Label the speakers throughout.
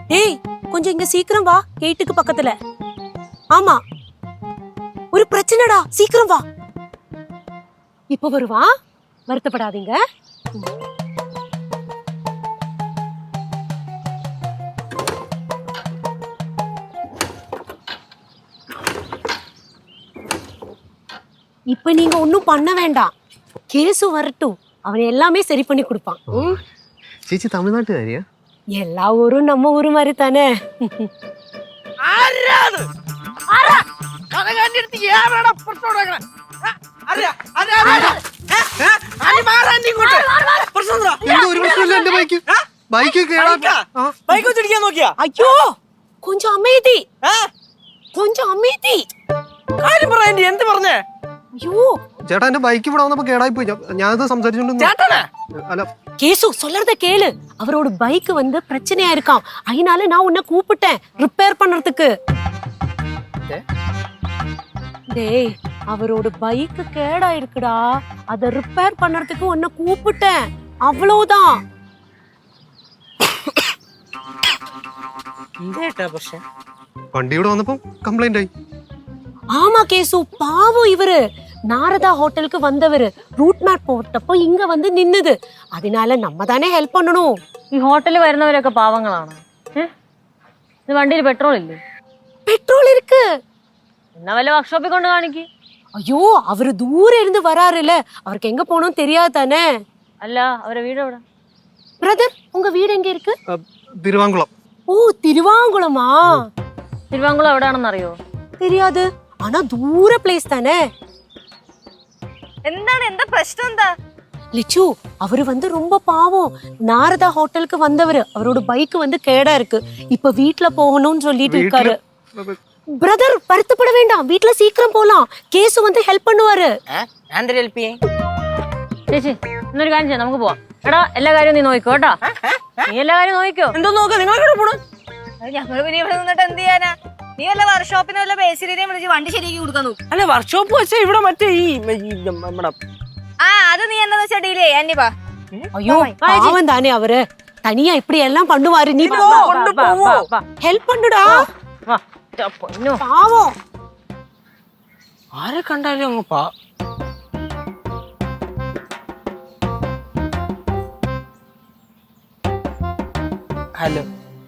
Speaker 1: டேய் கொஞ்சம் இங்க சீக்கிரம் வா, கேட்டுக்கு பக்கத்துல. ஆமா, ஒரு பிரச்சனைடா, சீக்கிரம் வா. இப்ப வருவா, வருத்தப்படாதீங்க. இப்ப நீங்க ஒன்னும் பண்ண வேண்டாம், கேசு வரட்டும், அவன் எல்லாமே சரி பண்ணி கொடுப்பான்.
Speaker 2: ചേച്ചി തമിഴ്നാട്ടുകാരിയാ?
Speaker 1: எல்லா ஊரும் நம்ம ஊரு மாதிரி தானே. ஐயோ கொஞ்சம் அமைதி, கொஞ்சம் அமைதி.
Speaker 3: എന്ത് പറഞ്ഞേ?
Speaker 1: ஐயோ
Speaker 2: ചേട്ടാ എന്റെ ബൈക്ക് ഇവിടെ വന്നപ്പോ കേടായി പോയി. ഞാനത് സംസാരിച്ചോണ്ട് അല്ല
Speaker 1: கேசு சொல்றத கேளு. அவரோட பைக் வந்து பிரச்சனையா இருக்கான், அதனால நான் உன்னை கூப்பிட்டேன் ரிப்பேர் பண்றதுக்கு. டேய் அவரோட பைக் கேடா இருக்குடா, அத ரிப்பேர் பண்றதுக்கு உன்னை கூப்பிட்டேன், அவ்வளவுதான்.
Speaker 2: വണ്ടി ഇവിടെ വന്നപ്പോ കംപ്ലൈന്റ് ആയി.
Speaker 1: ஆமா கேசு, பாவம் இவரு நாரதா ஹோட்டலுக்கு வந்தவரு റൂട്ട് മാപ്പ് പോട്ടപ്പോ ഇങ്ങ വന്ന് നിന്നത്, അതിനാൽ നമ്മ തന്നെ ഹെൽപ്പ് பண்ணணும்.
Speaker 4: ഈ ഹോട്ടലിൽ വരുന്നവരൊക്കെ പാവങ്ങളാണ്. ഇത് വണ്ടിയിൽ പെട്രോൾ ഇല്ലേ?
Speaker 1: പെട്രോൾ இருக்கு.
Speaker 4: എന്നാ വല്ല വർക്ക്ഷോപ്പിൽ കൊണ്ട് കാണിക്ക്.
Speaker 1: ஐயோ அவரு தூர இருந்து வராருல, அவருக்கு எங்க போகணும் தெரியாது தானே.
Speaker 4: അല്ല അവരെ വീട് എവിടെ?
Speaker 1: பிரதர் உங்க வீடு எங்க இருக்கு?
Speaker 2: തിരുവാങ്കുളം.
Speaker 1: ஓ തിരുവാങ്കുളமா?
Speaker 4: തിരുവാങ്കുളം എവിടെയാണെന്ന് അറിയോ?
Speaker 1: தெரியாது, ஆனா தூர பிளேஸ் தானே.
Speaker 4: എന്താണ്, എന്താ പ്രശ്നം? എന്താ
Speaker 1: லிச்சு, அவரு வந்து ரொம்ப பாவம், நாரதா ஹோட்டலுக்கு வந்தவரு, அவரோட பைக் வந்து கேடா இருக்கு, இப்ப வீட்ல போகணும்னு சொல்லிட்டு இருக்காரு. பிரதர் வருத்தப்பட வேண்டாம், வீட்ல சீக்கிரம் போலாம், கேசு வந்து ஹெல்ப் பண்ணுவாரு.
Speaker 4: ചേച്ചി എന്നൊരു കാര്യം ചെയ്യാം, നമുക്ക് പോവാം. എടാ എല്ലാ കാര്യവും നീ നോക്കിക്കോ കേട്ടോ. നീ എല്ലാ കാര്യവും നോക്കിക്കോ.
Speaker 3: എന്തോ നോക്ക, നിങ്ങൾ പോണു?
Speaker 5: ഞങ്ങള് പിന്നെ ഇവിടെ നിന്നിട്ട് എന്ത് ചെയ്യാനാ? നീ വല്ല വർക്ക്ഷോപ്പിനെ വല്ല ബേസിലിനെയും വിളിച്ച് വണ്ടി ശരിയാക്കി കൊടുക്കാൻ നോക്കും.
Speaker 3: അല്ല വർക്ക്ഷോപ്പ് വെച്ചാ ഇവിടെ മറ്റേ ഈ നമ്മുടെ
Speaker 5: അത് നീ എന്താന്ന് വെച്ചാ ഡീൽ ചെയ്യാ. അന്യപ്പാ
Speaker 1: ஐயோ பாவம் தானே அவரு, தனியா இப்படி எல்லாம் பண்ணுவாரு. நீ ஹெல்ப் பண்ணுடா, பாவம்.
Speaker 3: ആരെ കണ്ടാലും അങ്ങ് ഹലോ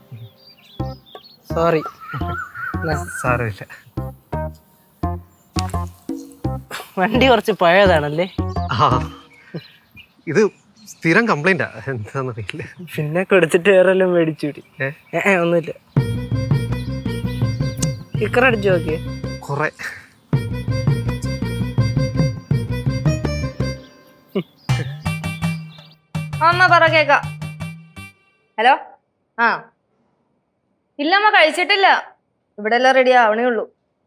Speaker 3: സോറി.
Speaker 2: സാരമില്ല.
Speaker 3: വണ്ടി കുറച്ച് പഴയതാണല്ലേ?
Speaker 2: ആ ഇത് സ്ഥിരം കംപ്ലൈന്റാ, എന്താന്നറിയില്ല.
Speaker 3: പിന്നെ കൊടുത്തിട്ട് വേറെല്ലാം മേടിച്ചുകൂടി. ഒന്നുമില്ല. സ്റ്റിക്കർ അടിച്ചു നോക്കിയേ?
Speaker 2: കൊറേ.
Speaker 5: അമ്മ പറ കേക്ക. ഹലോ. ആ ഇല്ലമ്മ കഴിച്ചിട്ടില്ല, ഇവിടെ എല്ലാം റെഡി ആവണേ ഉള്ളൂ.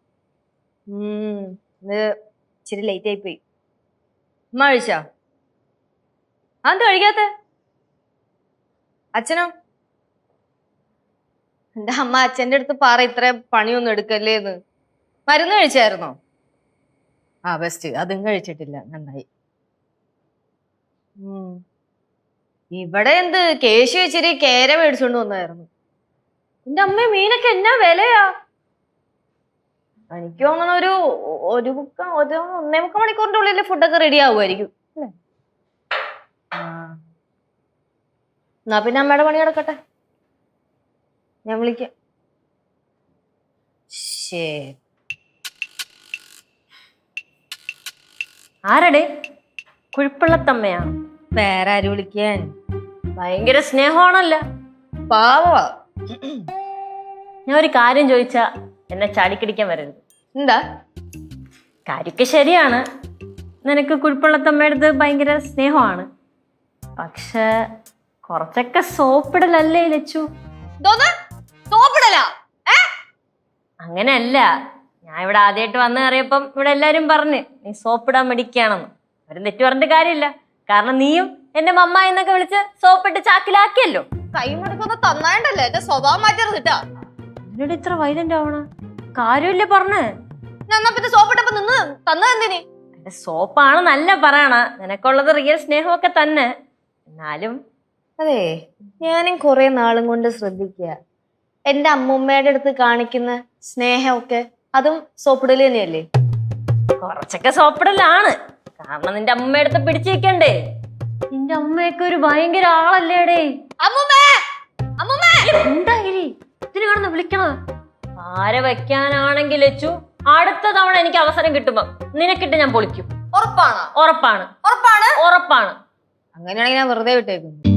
Speaker 5: ഇത് ഇച്ചിരി ലേറ്റ് ആയി പോയി. അമ്മ കഴിച്ചാ? അത് കഴിക്കാത്ത അച്ഛനോ? എന്റെ അമ്മ അച്ഛൻ്റെ അടുത്ത് പറ ഇത്ര പണിയൊന്നും എടുക്കല്ലേന്ന്. മരുന്ന് കഴിച്ചായിരുന്നോ? ആ ബെസ്റ്റ്, അതും കഴിച്ചിട്ടില്ല, നന്നായി. ഇവിടെ എന്ത് കേശു ഇച്ചിരി കേര മേടിച്ചോണ്ട് വന്നായിരുന്നു. എന്റെ അമ്മ മീനൊക്കെ എന്നാ വിലയാ? എനിക്ക് തോന്നണ ഒരു 1.5 മണിക്കൂറിന്റെ ഉള്ളിൽ ഫുഡൊക്കെ റെഡി ആവുമായിരിക്കും അല്ലേ? എന്നാ പിന്നെ അമ്മയുടെ പണി കിടക്കട്ടെ, ഞാൻ വിളിക്കാം.
Speaker 4: ആരടെ? കുഴിപ്പള്ളത്തമ്മയാ?
Speaker 5: വേറെ ആര് വിളിക്കാൻ?
Speaker 4: ഭയങ്കര സ്നേഹമാണല്ലോ.
Speaker 5: പാവാ.
Speaker 4: ഞാൻ ഒരു കാര്യം ചോദിച്ചാ എന്നെ ചാടിക്കടിക്കാൻ വരരുത്.
Speaker 5: എന്താ?
Speaker 4: കാര്യമൊക്കെ ശരിയാണ്, നിനക്ക് കുഴിപ്പള്ളത്തമ്മയുടെ ഭയങ്കര സ്നേഹമാണ്, പക്ഷെ കുറച്ചൊക്കെ സോപ്പിടലല്ലേ ലച്ചു? അങ്ങനെയല്ല, ഞാൻ ഇവിടെ ആദ്യമായിട്ട് വന്ന് കയറിയപ്പം ഇവിടെ എല്ലാരും പറഞ്ഞ് നീ സോപ്പിടാൻ മടിക്കുകയാണെന്ന്. അവരും തെറ്റു പറഞ്ഞിട്ട് കാര്യമില്ല, കാരണം നീയും എന്റെ മമ്മ എന്നൊക്കെ വിളിച്ച് സോപ്പിട്ട് ചാക്കിലാക്കിയല്ലോ.
Speaker 5: കൈ മുടക്കൊന്ന് തന്നായിട്ടല്ലേ എന്റെ സ്വഭാവം മാറ്റരുത് കേട്ടാ.
Speaker 4: എന്നോട് ഇത്ര വൈലന്റ് ആവണ കാര്യമില്ലേ പറഞ്ഞ്?
Speaker 5: ഞാൻ പിന്നെ സോപ്പിട്ടപ്പോ നിന്ന് തന്നതെന്തിന്?
Speaker 4: എന്റെ സോപ്പാണ് നല്ല പറയണ, നിനക്കുള്ളത് റിയൽ സ്നേഹമൊക്കെ തന്നെ. എന്നാലും
Speaker 5: അതെ, ഞാനും കുറെ നാളും കൊണ്ട് ശ്രദ്ധിക്കുക, എന്റെ അമ്മൂമ്മയുടെ അടുത്ത് കാണിക്കുന്ന സ്നേഹമൊക്കെ അതും സോപ്പിടല് തന്നെയല്ലേ?
Speaker 4: കുറച്ചൊക്കെ സോപ്പിടലാണ്. കാരണം നിന്റെ അമ്മയുടെ അടുത്ത് പിടിച്ചു വെക്കണ്ടേ? നിന്റെ അമ്മയൊക്കെ ഒരു ഭയങ്കര ആളല്ലേടേ. എന്തായി ഇതിന് കാണുന്ന വിളിക്കണ? ആരെ വെക്കാനാണെങ്കിൽ ലച്ചു അടുത്ത തവണ എനിക്ക് അവസരം കിട്ടുമ്പോ നിനക്കിട്ട് ഞാൻ പൊളിക്കും.
Speaker 5: ഉറപ്പാണ്.
Speaker 4: ഉറപ്പാണ്.
Speaker 5: ഉറപ്പാണ്.
Speaker 4: ഉറപ്പാണ്.
Speaker 5: അങ്ങനെയാണെങ്കിൽ ഞാൻ വെറുതെ വിട്ടേക്കുന്നു.